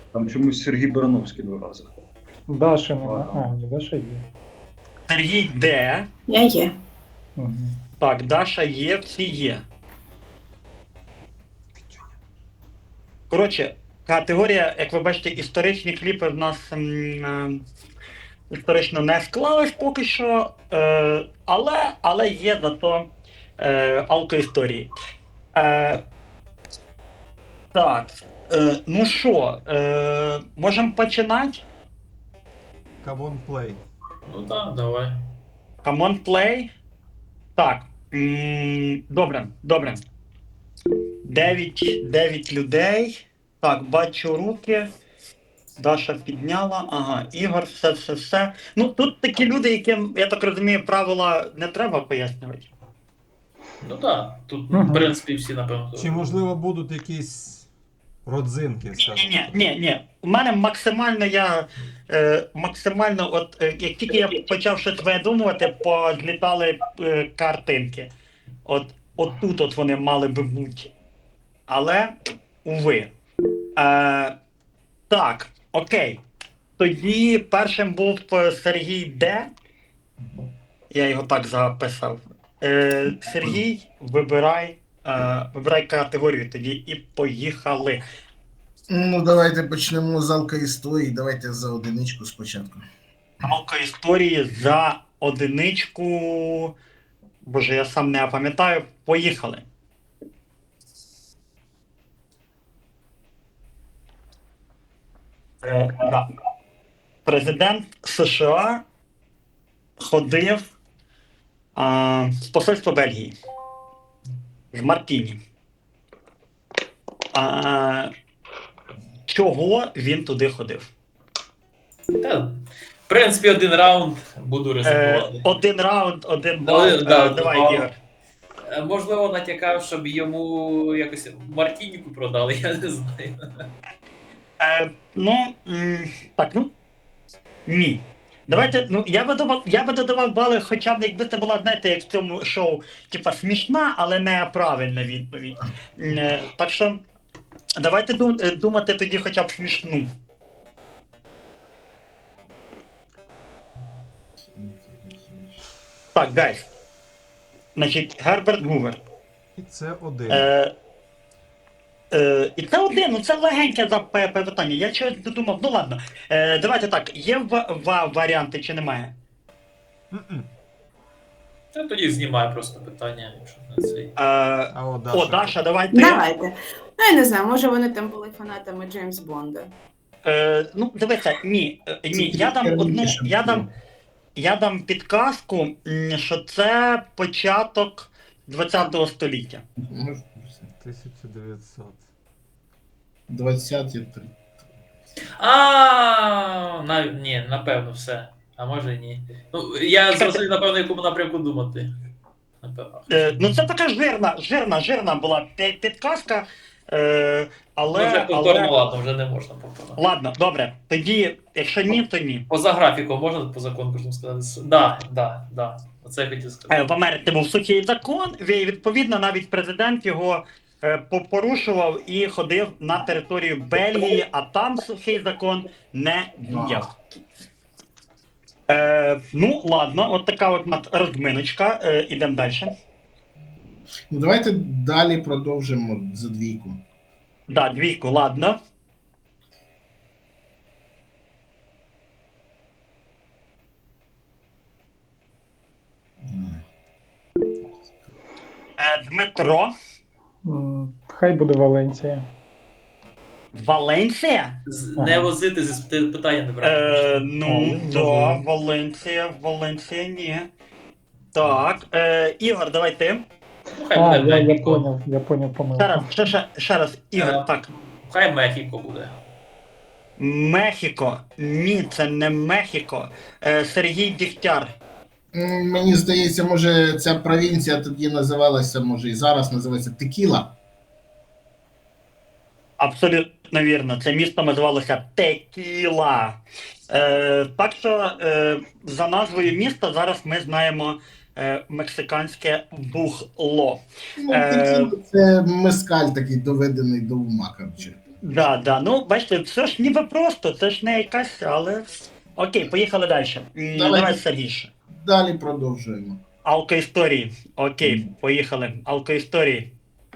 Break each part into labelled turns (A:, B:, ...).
A: Там чомусь Сергій Барановський 2 рази.
B: Даши нема.
A: Ага.
B: А, ні, Даша є.
C: Сергій Д.
D: Я є.
B: Угу.
C: Так, Даша є, всі є. Коротше, категорія, як ви бачите, історичні кліпи в нас історично не склались поки що, але є зато алкоісторії. Так, ну що, можемо починати?
E: Come on, play.
F: Ну так, давай.
C: Come on, play. Так, добре, добре. 9 людей. Так, бачу руки. Даша підняла. Ага, Ігор, все. Ну, тут такі люди, яким, я так розумію, правила не треба пояснювати.
F: Ну так, тут,
B: Мгм.
F: в принципі, всі, напевно.
E: Чи можливо будуть якісь родзинки, скажімо?
C: Ні. У мене максимально, от як тільки я почав щось видумувати, позлітали картинки. От тут от вони мали би бути. Але, уви. Так, окей. Тоді першим був Сергій Д. Я його так записав. Сергій, вибирай категорію тоді і поїхали.
G: Ну, давайте почнемо з алкоісторії. Давайте за одиничку спочатку.
C: Алка історії за одиничку. Боже, я сам не пам'ятаю. Поїхали. Да. Президент США ходив в посольство Бельгії з Мартіні. Чого він туди ходив?
F: Та, в принципі, один раунд буду ризикувати.
C: Один раунд, один
F: Давай,
C: бал.
F: да,
C: Давай,
F: бал.
C: Ігор.
F: Можливо, натякав, щоб йому якось Мартініку продали, я не знаю.
C: Ні. Давайте, я би додавав бали, хоча б якби це була, знаєте, як в цьому шоу, типа смішна, але не правильна відповідь. Так що, давайте думати тоді хоча б смішну. Так, гайс. Значить, Герберт Гувер.
E: І це один.
C: І це один, ну це легеньке питання. Я чогось додумав, ну ладно. Давайте так, є варіанти чи немає?
E: М-м.
F: Та тоді знімай просто питання, якщо не цей.
C: О, Даша, давай ти.
D: Давайте. Ну, я не знаю, може вони там були фанатами Джеймс Бонда.
C: Ну, дивися, ні. Я дам одну, я дам підказку, що це початок 20-го століття.
E: 1900.
G: 20-ті.
F: Ні, напевно, все. А може і ні. Ну, я зрозумів, напевно, якому напрямку думати. Напевно.
C: Ну, це така жирна була підказка, але...
F: Вже повторно, ладно, вже не можна повторно.
C: Ладно, добре. Тоді, якщо ні, то ні.
F: Поза графіком можна поза конкурсом сказати? Да. Оце я хотів сказати.
C: В Америці був сухий закон, і відповідно навіть президент його порушував і ходив на територію Бельгії, а там сухий закон не діяв. Ну, ладно, от така от розминочка. Ідемо далі.
G: Ну, давайте далі продовжимо за двійку.
C: Да, двійку, ладно. Дмитро.
B: Хай буде Валенція.
C: Валенсія?
F: Не возити зі питання не брати.
C: Ну, да, Валенсія, ні. Так, Ігор, давай ти.
F: Ну, хай буде
B: Я
F: Мехіко.
B: поняв помилку.
C: Ще раз, Ігор, так.
F: Хай Мехіко буде.
C: Мехіко. Ні, це не Мехіко. Сергій Дігтяр.
G: Мені здається, може ця провінція тоді називалася, може і зараз називається Текіла.
C: Абсолютно вірно. Це місто називалося Текіла. Так що за назвою міста зараз ми знаємо мексиканське бухло.
G: Ну, Текіла – це мескаль такий доведений до ума, коротше.
C: Да. Ну, бачите, це ж ніби просто, це ж не якась, але. Окей, поїхали далі. Давай, Сергій.
G: Далі продовжуємо.
C: Алкоісторії. Окей, поїхали. Алкоісторії.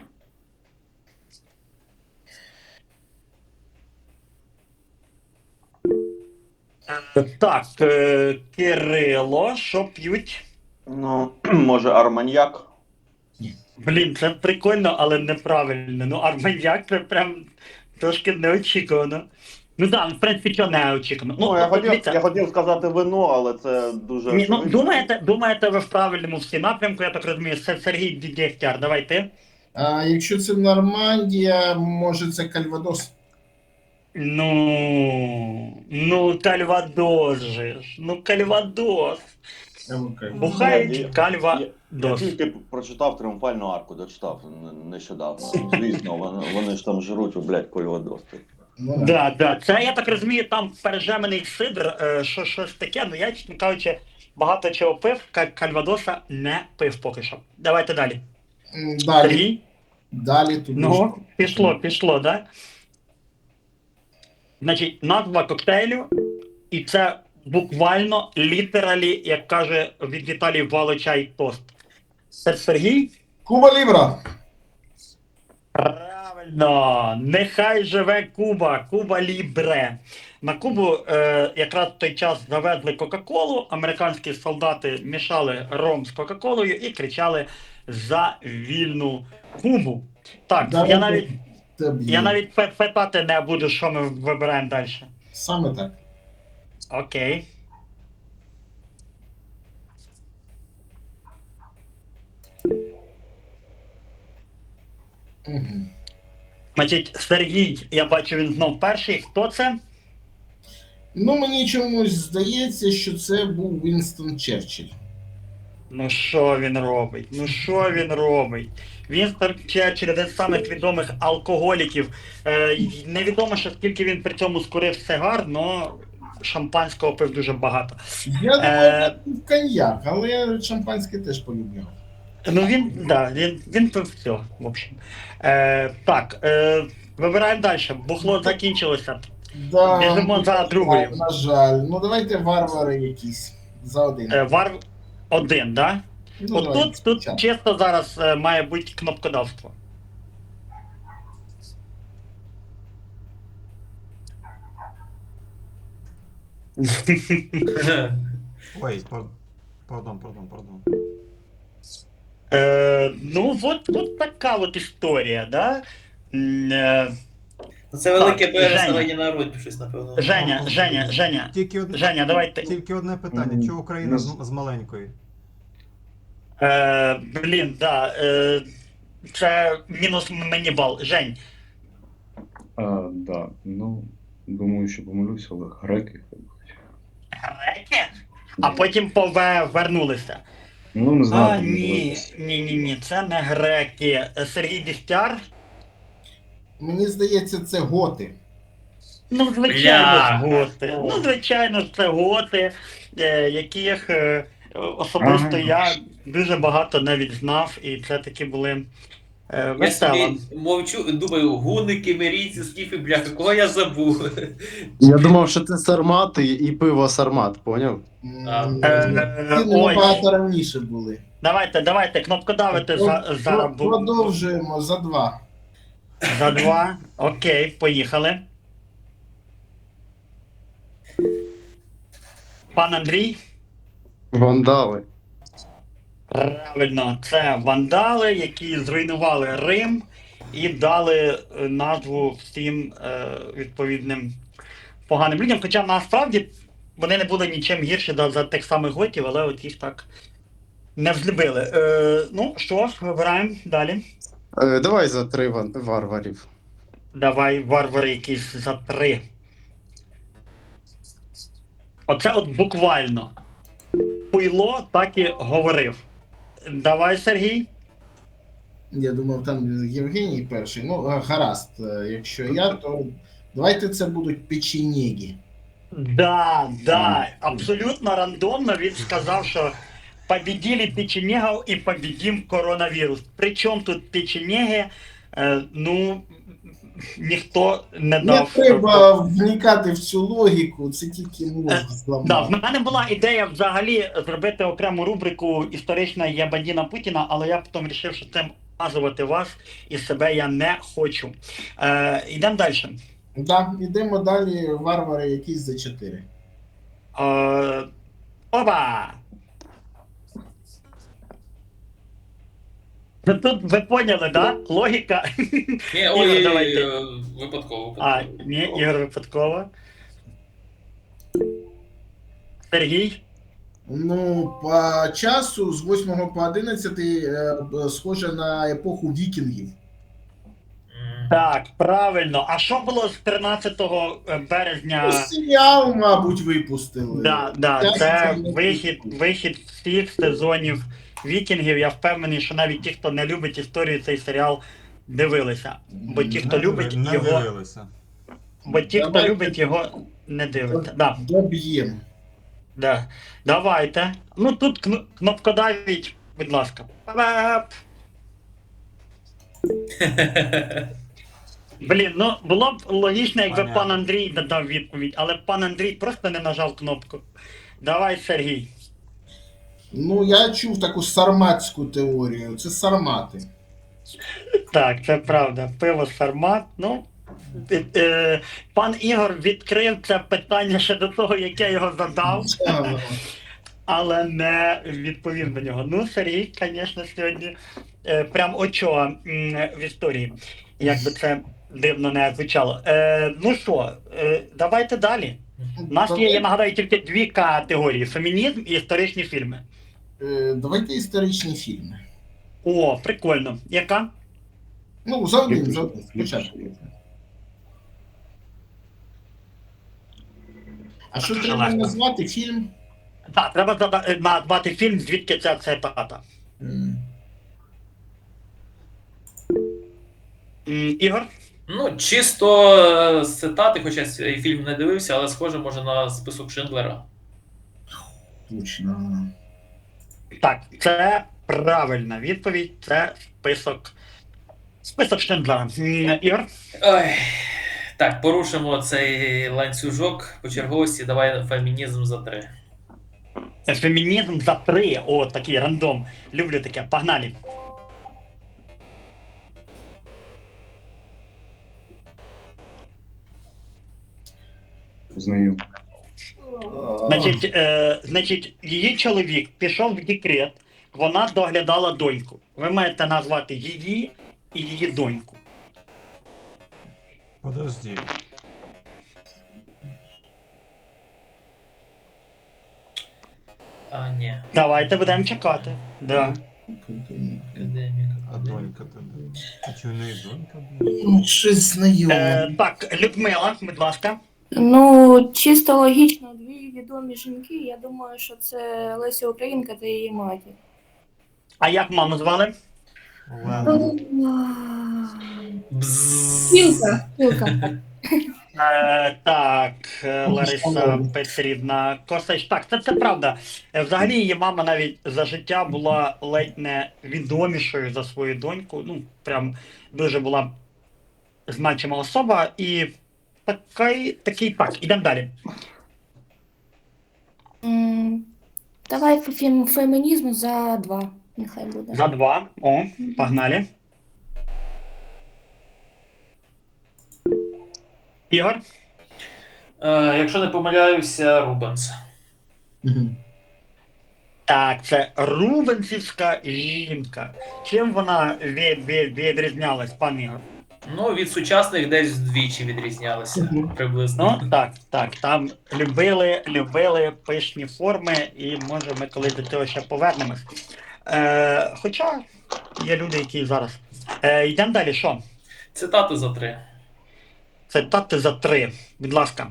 C: Так, Кирило, що п'ють?
H: Ну, може, арманьяк?
C: Блін, це прикольно, але неправильно. Ну, арманьяк це прям трошки неочікувано. Ну так, в принципі, що неочікувано.
H: Ну, я
C: дивіться.
H: хотів сказати вино, але це дуже.
C: Ні, ну,
H: очевидно.
C: думаєте ви в правильному всі напрямку, я так розумію, це Сергій Дігтяр, давай ти.
G: А якщо це Нормандія, може це Кальвадос?
C: Ну, Кальвадос же ж. Ну, Кальвадос. Бухають
H: Я
C: Кальвадос.
H: тільки прочитав Тріумфальну арку, дочитав нещодавно. Звісно, вони ж там жруть, блядь, Кальвадос.
G: Ну, да.
C: Да. Це, я так розумію, там пережемений сидр, щось таке, ну я, чесно кажучи, багато чого пив, Кальвадоса не пив поки що. Давайте далі.
G: Далі.
C: Сергій?
G: Далі тут.
C: Ну, пішло, да? Значить, назва коктейлю, і це буквально, літералі, як каже від Віталій Валочай тост. Це Сергій?
G: Куба Лібра.
C: Правильно, нехай живе Куба, Куба Лібре. На Кубу якраз в той час завезли Кока-Колу, американські солдати мішали ром з Кока-Колою і кричали за вільну Кубу. Так,
G: Давай
C: я навіть питати не буду, що ми вибираємо далі.
G: Саме так.
C: Окей.
G: Угу.
C: Значить, Сергій, я бачу, він знов перший. Хто це?
G: Ну, мені чомусь здається, що це був Вінстон Черчилль.
C: Ну що він робить? Вінстон Черчилль, один з самих відомих алкоголіків. Невідомо, що скільки він при цьому скурив сигар, але шампанського пив дуже багато.
G: Я думаю, був коньяк, але я шампанське теж полюбляв.
C: Ну він пив все, в общем. Так, вибираємо далі. Бухло закінчилося.
G: Да,
C: Біжимо за другою.
G: На жаль. Ну давайте варвари якісь. За один.
C: Вар 1, да?
G: Ну,
C: От
G: давайте
C: тут
G: спочатку.
C: чисто зараз має бути кнопкодавство.
E: Ой, пардон.
C: Ну, от така от історія, да?
F: Це велике
C: Так,
F: переселення народів, щось, напевно.
C: Женя,
E: Тільки
C: давай ти.
E: тільки одне питання. Чого Україна з маленької?
C: Блін, да. Це мінус мені бал. Жень.
A: Да, ну, думаю, що помилюся, але греки.
C: Греки? А потім повернулися.
A: Ну, не знаю.
C: Ні, це не греки. Сергій Дігтяр?
G: Мені здається, це готи.
C: Ну, звичайно ж, це готи, яких особисто я дуже багато навіть знав, і це такі були
F: Я
C: весело.
F: собі мовчу, думаю, гуни, кемерійці, скіфи, бляха, кого я забув?
I: Я думав, що це сармати і пиво сармат, поняв?
G: Ці
C: Ой,
G: набагато раніше були.
C: давайте, кнопкодавити зараз.
G: Продовжуємо за 2.
C: За 2. Окей, поїхали. Пан Андрій?
I: Вандали.
C: Правильно, це вандали, які зруйнували Рим і дали назву всім відповідним поганим людям. Хоча насправді вони не були нічим гірші за тих самих готів, але от їх так не взлюбили. Ну що ж, вибираємо далі.
I: Давай за 3 варварів.
C: Давай варвари якісь за 3. Оце от буквально. Пуйло так і говорив. Давай, Сергій.
G: Я думав, там Євгеній перший. Ну, гаразд. Якщо я, то давайте це будуть печенєги.
C: Да, абсолютно рандомно він сказав, що победили печенегов и победим коронавирус. Причем тут печенеги, ну, ніхто не
G: Не
C: дав.
G: треба вникати в цю логіку, це тільки мозг
C: Да, в
G: зламати.
C: мене була ідея взагалі зробити окрему рубрику «Історична ябадіна Путіна», але я потім вирішив, що цим вказувати вас і себе я не хочу. Йдемо далі.
G: Да, ідемо далі, варвари якісь за 4.
C: Оба! Ну, тут ви поняли, да? Логіка.
F: Ні,
C: Ігор,
F: ой,
C: давайте.
F: випадково.
C: А, ні, Ігор випадково. Сергій?
G: Ну, по часу з 8 по 11 схоже на епоху вікінгів.
C: Так, правильно. А що було з 13 березня?
G: Ну, серіал, мабуть, випустили.
C: Да,
G: Я
C: це
G: не
C: вихід всіх сезонів вікінгів. Я впевнений, що навіть ті, хто не любить історію, цей серіал дивилися. Бо ті, хто любить
E: Не
C: його,
E: дивилися.
C: бо ті, хто
G: Давайте.
C: любить його, не дивиться. Да,
G: Доб'єм.
C: да. Давайте. Ну тут кнопкодавіть, будь ласка. Пап. Блін, ну було б логічно, якби
E: Понятно.
C: пан Андрій додав відповідь, але пан Андрій просто не нажав кнопку. Давай, Сергій.
G: Ну, я чув таку сарматську теорію. Це сармати.
C: Так, це правда. Пиво Сармат. Ну, пан Ігор відкрив це питання ще до того, як я його задав, але не відповів на нього. Ну, Сергій, звісно, сьогодні прям очо в історії, як би це дивно не звучало. Ну що, давайте далі. У нас є, я нагадаю, тільки дві категорії: фемінізм і історичні фільми.
G: Давайте історичні фільми.
C: О, прикольно. Яка?
G: Ну, за один, спочатку. А що
C: Дуже
G: треба
C: легко.
G: назвати фільм?
C: Так, треба назвати фільм, звідки ця цитата. Ігор?
F: Ну, чисто з цитати, хоча цей фільм не дивився, але схоже може на список Шиндлера.
G: Точно.
C: Так, це правильна відповідь, це список Шиндлера. Ігор?
F: Ой. Так, порушимо цей ланцюжок по черговості. Давай фемінізм за 3.
C: Фемінізм за 3. О, такий рандом. Люблю таке. Погнали.
A: Знаю.
C: Значить, її чоловік пішов в декрет, вона доглядала доньку. Ви маєте назвати її і її доньку.
E: Подожди.
F: А, ні.
C: Давайте будемо чекати. Да.
F: Академік.
E: А донька тоді. А чи в неї донька була?
G: Ну, щось знайоме.
C: Так, Людмила, будь ласка.
J: Ну, чисто логічно, дві відомі жінки, я думаю, що це Леся Українка та її матір.
C: А як маму звали?
E: Олена.
J: Спілка. Спілка.
C: Так, Лариса Петрівна Косач. Так, це правда. Взагалі її мама навіть за життя була ледь не відомішою за свою доньку. Ну, прям дуже була значима особа. І такий так, ідемо далі.
J: Давай фемінізм за 2. Нехай буде.
C: За 2. О, погнали. Ігор?
F: Якщо не помиляюся, Рубенс.
G: Мгм.
C: Так, це рубенсівська жінка. Чим вона відрізнялась, пан Ігор?
F: Ну, від сучасних десь вдвічі відрізнялися приблизно.
C: Ну, так, там любили пишні форми, і може ми колись до цього ще повернемось. Хоча є люди, які зараз. Йдемо далі, що?
F: Цитати за 3.
C: Цитати за 3. Будь ласка.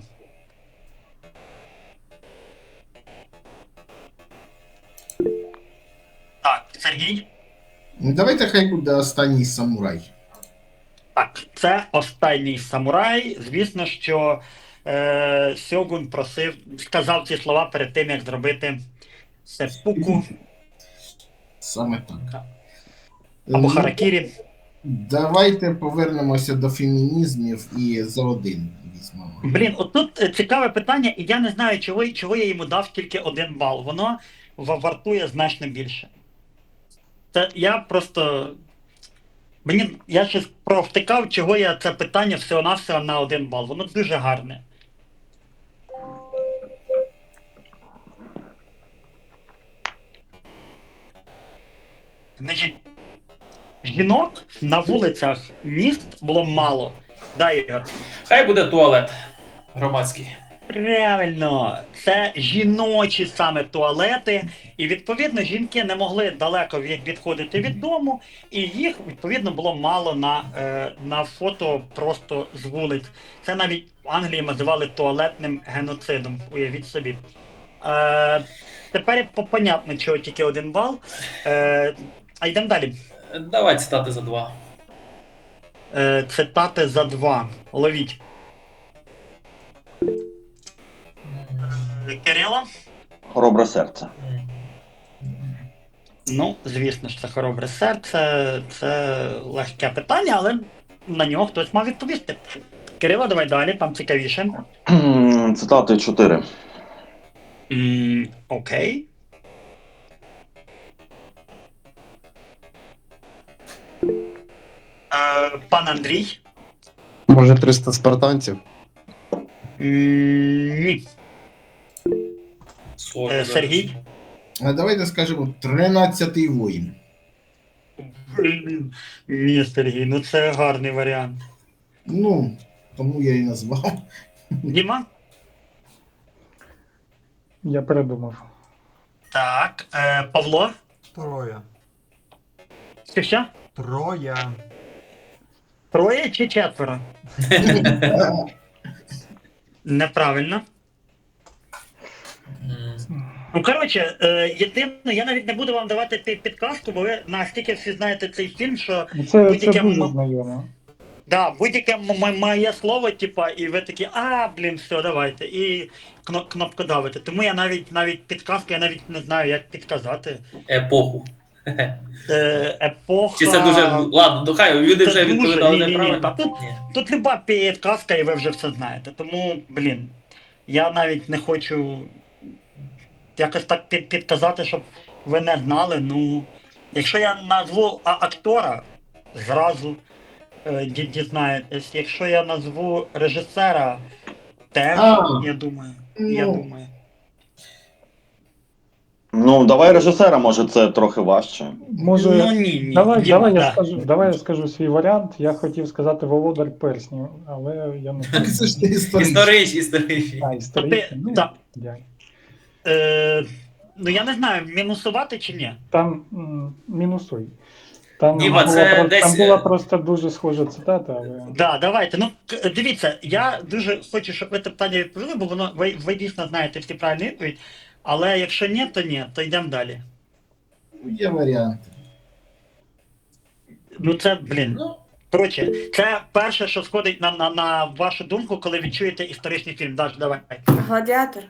C: Так, Сергій?
G: Давайте хай буде останній самурай.
C: Так, це останній самурай. Звісно, що Сьогун сказав ці слова перед тим, як зробити сеппуку
G: Саме так.
C: або харакірі.
G: Давайте повернемося до фемінізмів і за один візьмемо.
C: Блін, отут цікаве питання, і я не знаю, чого я йому дав тільки 1 бал. Воно вартує значно більше. Це я просто. Я щось провтикав, чого я це питання всього-навсього на 1 бал. Воно дуже гарне. Значить, жінок на вулицях міст було мало. Да, Ігор?
F: Хай буде туалет громадський.
C: Правильно, це жіночі саме туалети, і відповідно жінки не могли далеко відходити від дому, і їх відповідно було мало на фото просто з вулиць. Це навіть в Англії називали туалетним геноцидом. Уявіть собі. Тепер понятно, чого тільки 1 бал. А йдемо далі.
F: Давай цитати за 2.
C: Цитати за 2. Ловіть. Кирило?
H: Хоробре серце.
C: Ну, звісно ж, це хоробре серце, це легке питання, але на нього хтось мав відповісти. Кирило, давай далі, там цікавіше.
H: Цитати 4.
C: Окей. Пан Андрій?
I: Може 300 спартанців?
C: Ні.
F: Схоже,
C: Сергій?
G: А давайте скажемо 13-й воїн.
C: Блін. Ні, Сергій, ну це гарний варіант.
G: Ну, тому я і назвав.
C: Діма?
B: Я передумав.
C: Так. Павло?
E: Троя.
C: Що?
E: Троя.
C: 3 чи 4? Неправильно. Ну, коротше, єдине, я навіть не буду вам давати підказку, бо ви настільки всі знаєте цей фільм, що
B: Це
C: будь-яке
B: дуже знайомо.
C: да, будь-яке моє слово, типа, і ви такі, блін, все, давайте, і кнопку давите. Тому я навіть підказку, я навіть не знаю, як підказати.
F: Епоху.
C: Епоха...
F: Чи це дуже. Ладно, ну хай люди
C: Це
F: вже
C: дуже-
F: відповідали
C: ні-ні-ні,
F: неправильно.
C: та Тут люба підказка, і ви вже все знаєте. Тому, блін, я навіть не хочу якось так підказати, щоб ви не знали. Ну, якщо я назву актора, зразу дізнаєтесь. Якщо я назву режисера, теж, я думаю.
H: Ну, давай режисера, може це трохи важче.
B: Може,
C: Ну, ні.
B: давай
C: Діма,
B: я скажу свій варіант. Я хотів сказати Володар перснів, але я не
G: Так це ж не історично.
F: Історичні.
B: історичний. Ну,
C: Так.
B: дякую.
C: Ну, я не знаю, мінусувати чи ні.
B: Там мінусуй. Там,
F: Діма, це десь-
B: там була просто дуже схожа цитата, але.
C: Да, давайте. Ну, дивіться, я дуже хочу, щоб ви це питання відповіли, бо воно ви дійсно знаєте всі правильні відповідь. Але якщо ні, то йдемо далі.
G: Є варіанти.
C: Ну це, блін.
F: Ну,
C: Коротше, це перше, що сходить на вашу думку, коли відчуєте історичний фільм. Даш, давай.
D: Гладіатор.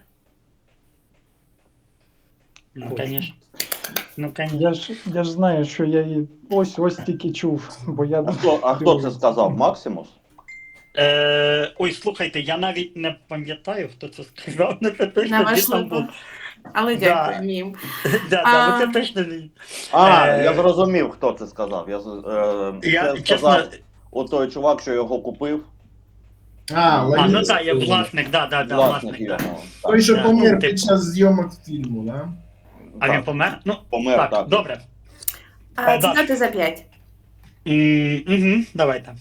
C: Ну, звісно. Ну, звісно.
B: Я ж знаю, що я її ось тільки чув, бо я.
H: А хто це сказав? Максимус?
C: Ой, слухайте, я навіть не пам'ятаю, хто це сказав. Ну, це точно
D: На ваш
C: дійсно
D: вибір.
C: був.
D: Але
C: Да.
D: дякую їм.
C: Да, ну це точно він.
H: Я зрозумів, хто це сказав.
C: Я,
H: Це
C: чесно,
H: сказав той чувак, що його купив.
C: ну так, я власник,
H: Власник
C: власник,
H: його.
C: да.
G: Той, що
C: Да,
G: помер
C: ну,
G: під час зйомок фільму, да?
C: А він
H: Так,
C: помер? Ну,
H: помер, так.
C: добре.
D: Цитати за 5.
C: Давайте.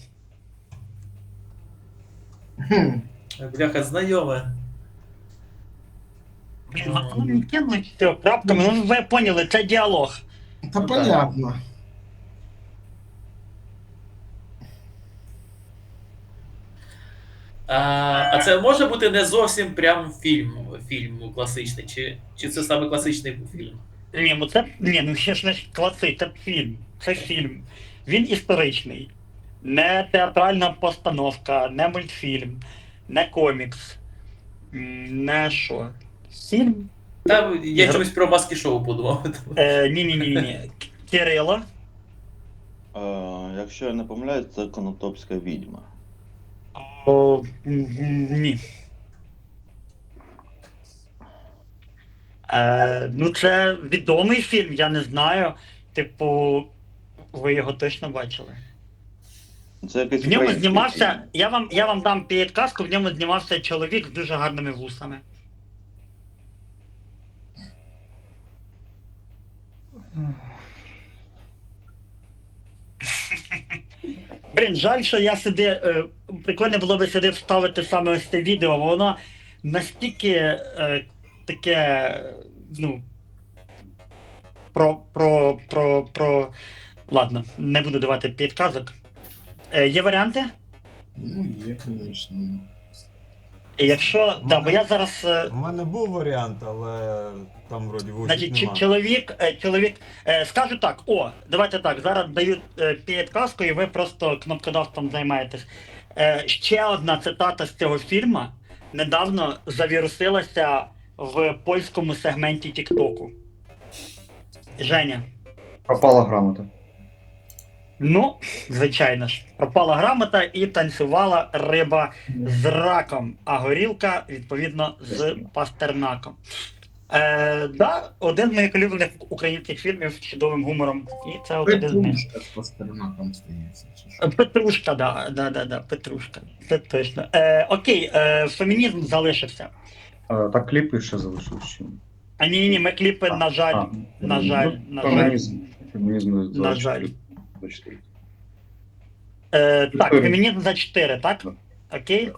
F: бляха, знайоме.
C: Блін, а коли мені кинули все крапками, ну ви поняли, це діалог.
G: Та понятно.
F: А це може бути не зовсім прям фільм класичний, чи це саме класичний фільм?
C: Ну ще ж не класик, це фільм. Це фільм. Він історичний. Не театральна постановка, не мультфільм, не комікс. Не що. Фільм?
F: Та я чомусь про маски шоу подумав.
C: Ні. Кирило.
H: Якщо я не помиляюсь, це Конотопська відьма.
C: Ні. Ну, це відомий фільм, я не знаю. Типу, ви його точно бачили.
H: Це якийсь
C: В ньому
H: український
C: знімався,
H: фільм.
C: я вам дам підказку, в ньому знімався чоловік з дуже гарними вусами. Блін, жаль, що я сюди. Прикольно було би сюди вставити саме ось це відео, бо воно настільки таке, ну. Ладно, не буду давати підказок. Є варіанти?
G: Ну, є, звісно.
C: Якщо. Да, бо я зараз.
E: У мене був варіант, але там вроді вусів
C: Значить,
E: нема.
C: чоловік, скажу так, давайте так, зараз даю підказку, і ви просто кнопкодавством займаєтесь. Ще одна цитата з цього фільму недавно завірусилася в польському сегменті Тіктоку. Женя.
A: Пропала грамота.
C: Ну, звичайно ж, пропала грамота і танцювала риба з раком, а горілка, відповідно, з пастернаком. Да, один з моїх улюблених українських фільмів з чудовим гумором. І це один з них.
G: Петрушка з Пастернаком стається. чи що?
C: Петрушка, да, Петрушка. Це точно. Окей, фемінізм залишився.
A: Так кліпи ще залишилися.
C: А ні, ми кліпи, на жаль, на жаль.
A: Фемінізм
C: На жаль.
A: за 4.
C: Так, фемінізм за 4, так? Окей.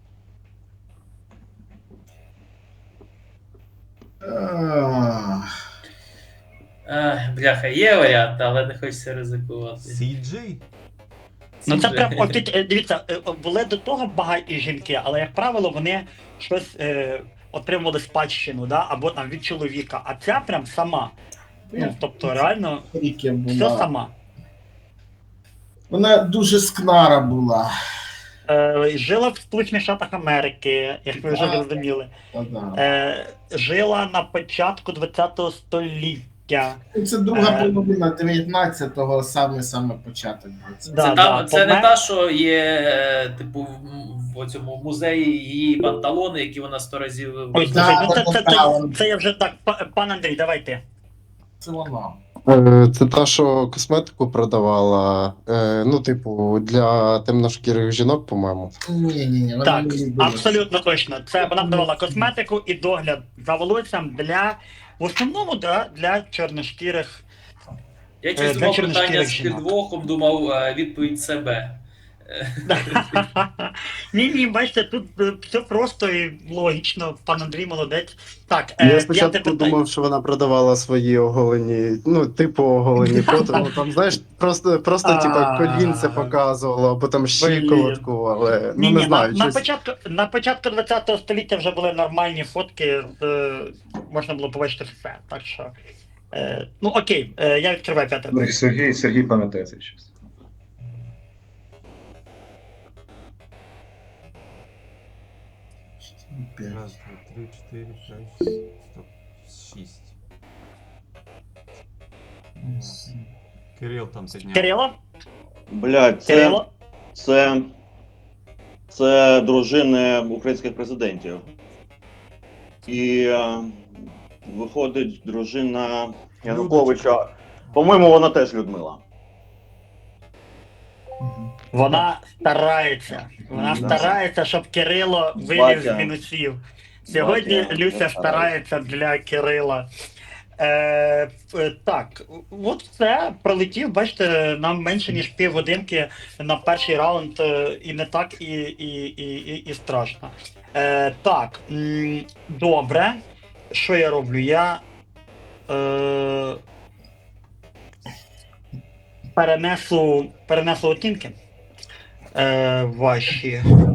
G: Ах,
F: Бляха, є варіант, але не хочеться ризикувати.
E: CG?
C: Ну це прям дивіться, були до того багаті жінки, але як правило вони щось отримували спадщину, да? Або там від чоловіка. А ця прям сама. Ну, тобто реально
G: Ріки
C: все
G: була.
C: сама.
G: Вона дуже скнара була.
C: Жила в Сполучених Штатах Америки, як ви вже зрозуміли.
G: Та-да.
C: Жила на початку ХХ століття.
G: Це друга половина 19-го, саме початок.
F: Це не та, що є, типу, в цьому музеї її панталони, які вона 100 разів.
C: Ой,
G: Да,
C: це я вже так, пан Андрій, давайте.
G: Це вона.
I: Це та, що косметику продавала, ну, типу, для темношкірих жінок, по-моєму.
G: Ні, вона
C: Так,
G: не любила.
C: абсолютно точно. Це вона давала косметику і догляд за волоссям в основному для чорношкірих.
F: Я щось
C: для
F: думав
C: чорношкірих
F: питання з
C: жінок.
F: підвохом, думав відповідь себе.
C: Ні, бачите, тут все просто і логічно, пан Андрій молодець. Так,
I: Я
C: п'яте
I: спочатку
C: питання.
I: думав, що вона продавала свої оголені, ну, типу оголені фото, ну, там, знаєш, просто типа, колінце показувала, або там щиколотку, але, ну, не знаю, щось...
C: На початку 20 століття вже були нормальні фотки, можна було побачити все, так що... Ну, окей, я відкриваю п'яте.
A: Сергій пам'ятає це щось.
E: Раз, два, три, 4, 5, стоп, 6. Кирил там підняв.
C: Кирило?
H: Блядь,
C: Кирило?
H: це дружини українських президентів. І виходить дружина Януковича. По-моєму, вона теж Людмила.
C: Вона старається. Вона
H: Да.
C: старається, щоб Кирило виліз з
H: Батя.
C: мінусів. Сьогодні
H: Батя,
C: Люся
H: я
C: старається для Кирила. Так, от все, пролетів, бачите, нам менше ніж півгодинки на перший раунд, і не так, і страшно. Так, добре. Що я роблю? Я перенесу оцінки ваші.